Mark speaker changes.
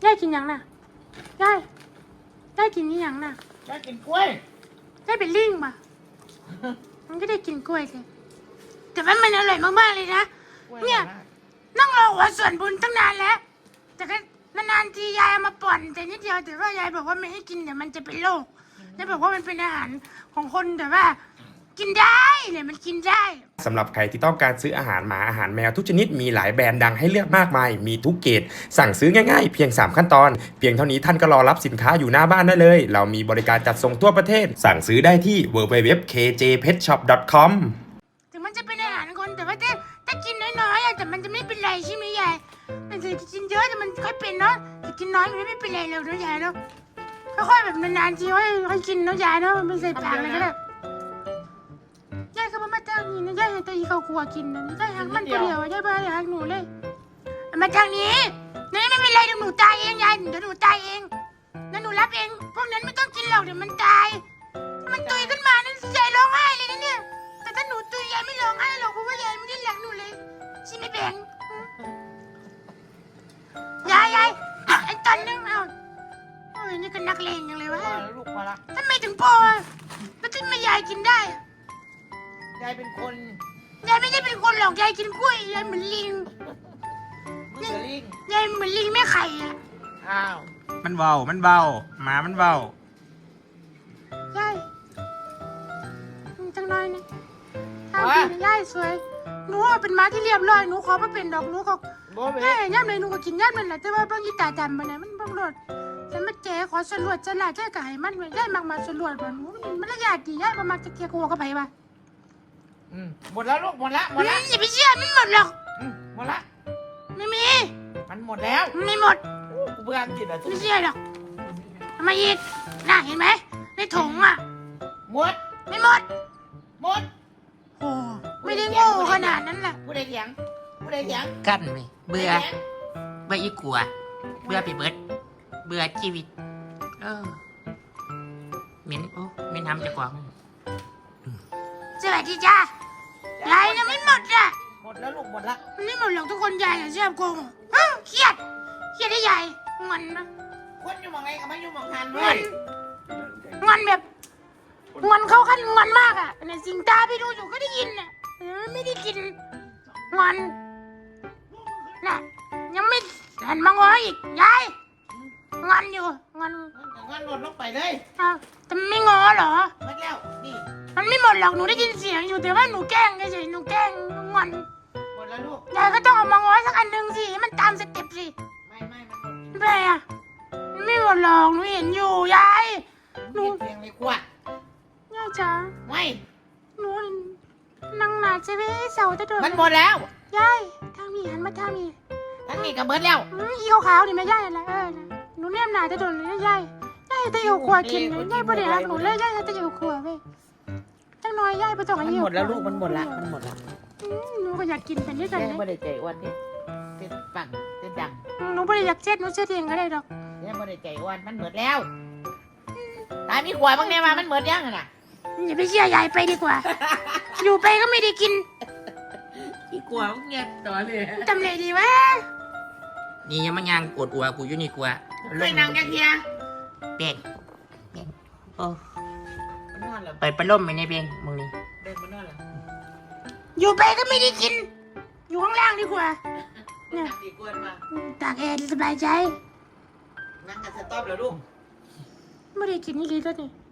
Speaker 1: ยายกินยังน่ะยายกินนี่ยังน่ะ
Speaker 2: ยายกินกล้วย
Speaker 1: ยายเป็นลิงป่ะมันก็ได้กินกล้วยสิแต่ว่ามันอร่อยมากๆเลยนะเนี่ยนั่งรอหัวส่วนบุญตั้งนานแล้วแต่ก็นานๆทียายเอามาป่อนแต่นิดเดียวแต่ว่ายายบอกว่าไม่ให้กินเดี๋ยวมันจะเป็นโรคยายบอกว่ามันเป็นอาหารของคนแต่ว่ากินได้เนี่ยมันกินได้
Speaker 3: สำหรับใครที่ต้องการซื้ออาหารหมาอาหารแมวทุกชนิดมีหลายแบรนด์ดังให้เลือกมากมายมีทุกเกรดสั่งซื้อง่ายๆเพียง3ขั้นตอนเพียงเท่านี้ท่านก็รอรับสินค้าอยู่หน้าบ้านได้เลยเรามีบริการจัดส่งทั่วประเทศสั่งซื้อได้ที่ www.kjpetshop.com
Speaker 1: ถึงมันจะเป็นอาหารคนแต่ว่าถ้ากินน้อยๆแต่มันจะไม่เป็นไรใช่ไหมยายมันจะกินเยอะแต่มันค่อยเป็นเนาะแต่กินน้อยมันไม่เป็นไรเลยเนาะยายเนาะค่อยๆแบบนานๆทีค่อยกินเนาะยายเนาะมันไม่ใส่ปากเลยก็ได้ยายก็มาทางนี้นะยายให้ตาอีเขาครัวกินนะยายหักมันคนเดียวยายไม่หักหนูเลยมาทางนี้นี่ไม่เป็นไรเดี๋ยวหนูตายเองยายเดี๋ยวหนูตายเองแล้วหนูรับเองพวกนั้นไม่ต้องกินหรอกเดี๋ยวมันตายมันตุยขึ้นมานั่นยายร้องไห้เลยนะเนี่ยแต่ถ้าหนูตุยยายไม่ร้องไห้หรอกเพราะว่ายายไม่ได้รักหนูเลยใช่ไหมแบงยายไอ้ตอนนึงเอาโอ้ยนี่ก็นักเลงอย่างเลยวะ
Speaker 2: ลูกพอละ
Speaker 1: ทำไมถึงพอแล้วทำไมยายกินได้
Speaker 2: ยายเป็นคน
Speaker 1: ยายไม่ใช่เป็นคนหรอกยายกินกล้วยยายเหมือนลิง
Speaker 2: มุสลิม
Speaker 1: ยายเหมือนลิงแม่ไข่อะ
Speaker 2: อ้าว
Speaker 3: มันเบาหมามันเบาย
Speaker 1: ายจังน้อยนะทำดีนะยายสวยหนูเป็นม้าที่เรียบร้อยหนูขอมาเป็นดอกหนูก็
Speaker 2: โบเบ้
Speaker 1: แม่ย่ำเลยหนูก็กินย่ำนั่นแหละแต่ว่าบางทีตาดำไปนะมันบางรสฉันมาแกขอสรวจฉลาดแค่ไก่มันไว้ยายมักมาสรวจบ่หนูมันละยาดดียายมามักจะเกียร์หัวกับไผวะ
Speaker 2: หมดแล้วลูกหมดละหมดละ
Speaker 1: อย่าไปเชื่อมันหมดหรอก
Speaker 2: หมดละ
Speaker 1: ไม่มี
Speaker 2: มันหมดแล้ว
Speaker 1: ไม่หมด
Speaker 2: กูเบื่อกินอ่ะ
Speaker 1: ไม่เชื่อหรอกทำไมอีกน่ะเห็นไหมในถุงอ่ะ
Speaker 2: หมด
Speaker 1: ไม่หมด
Speaker 2: หมด
Speaker 1: โอ้ไม่ได้โง่ขนาดนั้นแหละ
Speaker 2: กูได้เถียงกูได้เถียง
Speaker 4: กั้นไหมเบื่ออีกลัว เบื่อไปเบิดเบื่อชีวิตเหม็นเหม็นทำจะกวาง
Speaker 1: สวัสดีจ้ายายยังไม่หมดอ่ะ
Speaker 2: หมดแล้วลูกหมดละ
Speaker 1: มันไม่หมดหรอกทุกคนยายอย่าเชื่อโกงเครียดได้ยายงอนนะ
Speaker 2: คนอยู่มองไงก็ไม่อยู่มองหัน
Speaker 1: ง
Speaker 2: เล
Speaker 1: อย นงอนแบบงอนเข้าขั้นงอนมากอ่ะเนี่ยสิงตาไปดูอยู่ก็ได้ยินอ่ะไม่ได้กินงอนน่ะยังไม่หันมางออีกยายงอนอยู่งอน
Speaker 2: งั้นหมดลงไปเลย
Speaker 1: อ้าวแต่ไม่งอเหรอ
Speaker 2: หมดแล้วนี่
Speaker 1: มันไม่หมดหรอกหนูได้ยินเสียงอยู่แต่ว่าหนูแกล้งเฉยๆหนูแกล้งงอน
Speaker 2: หมดแล้วลูก
Speaker 1: ยายก็ต้องเอามางอสักอันหนึ่งสิให้มันตามสเต็ปสิ
Speaker 2: ไม่มันหมด
Speaker 1: ไม่เป็นไรอ่ะมันไม่หมดหรอกหนูเห็นอยู่ยายหนู
Speaker 2: เสียงเลยขวด
Speaker 1: ยายจ๋า
Speaker 2: ไม่
Speaker 1: หนูนั่งหนาใช่ไหมเสาจะโดน
Speaker 2: มันหมดแล้ว
Speaker 1: ยายทางนี้หันมาทางนี้
Speaker 2: ทั้งนี้ก็เบิดแล้ว
Speaker 1: อีขาวๆนี่แม่ยายอะไรนะหนูเนี่ยหนาจะโดนเลยยายจะอยู่ครัวกินเลยยายบ่ได้รักหนูเลยยายจะอยู่ครัวเว้ยจังน้อยยายไปต้อง
Speaker 2: มัน
Speaker 1: อายุ
Speaker 2: หมดแล้วลูกมันหมดละมันหมดละ
Speaker 1: หนูก็อยากกินเป็นด้วยกัน
Speaker 2: แม่
Speaker 1: เลย
Speaker 2: ไม่ได้ใจอ้วนนี่เป็นปั่นเป็นดัง
Speaker 1: หนูไม่ได้อยากเช็ดหนูเช็ดเองก็ได้ดอก
Speaker 2: แม่ไม่ได้ใจอ้วนมันหมดแล้วตายมีขวดบ้างเนี่ยมามันหมดยังน่ะ
Speaker 1: อย่าไปเชื่อยายไปดีกว่า อยู่ไปก็ไม่ได้กิน
Speaker 4: อีกลัวเงียบต่อเลย
Speaker 1: ทำไรดีวะ
Speaker 4: นี่ยังมันยังปวดอัวกูอยู่นี่กลัว
Speaker 2: เคยนั่งกันเทีย
Speaker 4: เบ่งโอ้
Speaker 2: มันนอนเหรอ
Speaker 4: ไปประล่มไปในเบ่งมึงนี่
Speaker 2: เดินมันนอนเหรอ
Speaker 1: อยู่ไปก็ไม่ได้กิน อยู่ข้างล่างดีกว่า
Speaker 2: นั่งดีกวนมา
Speaker 1: ตากแอร์สบายใจ
Speaker 2: นั่งกันสต๊อปเหรอลูก
Speaker 1: ไม่ได้กินนี่เลยตัวนี้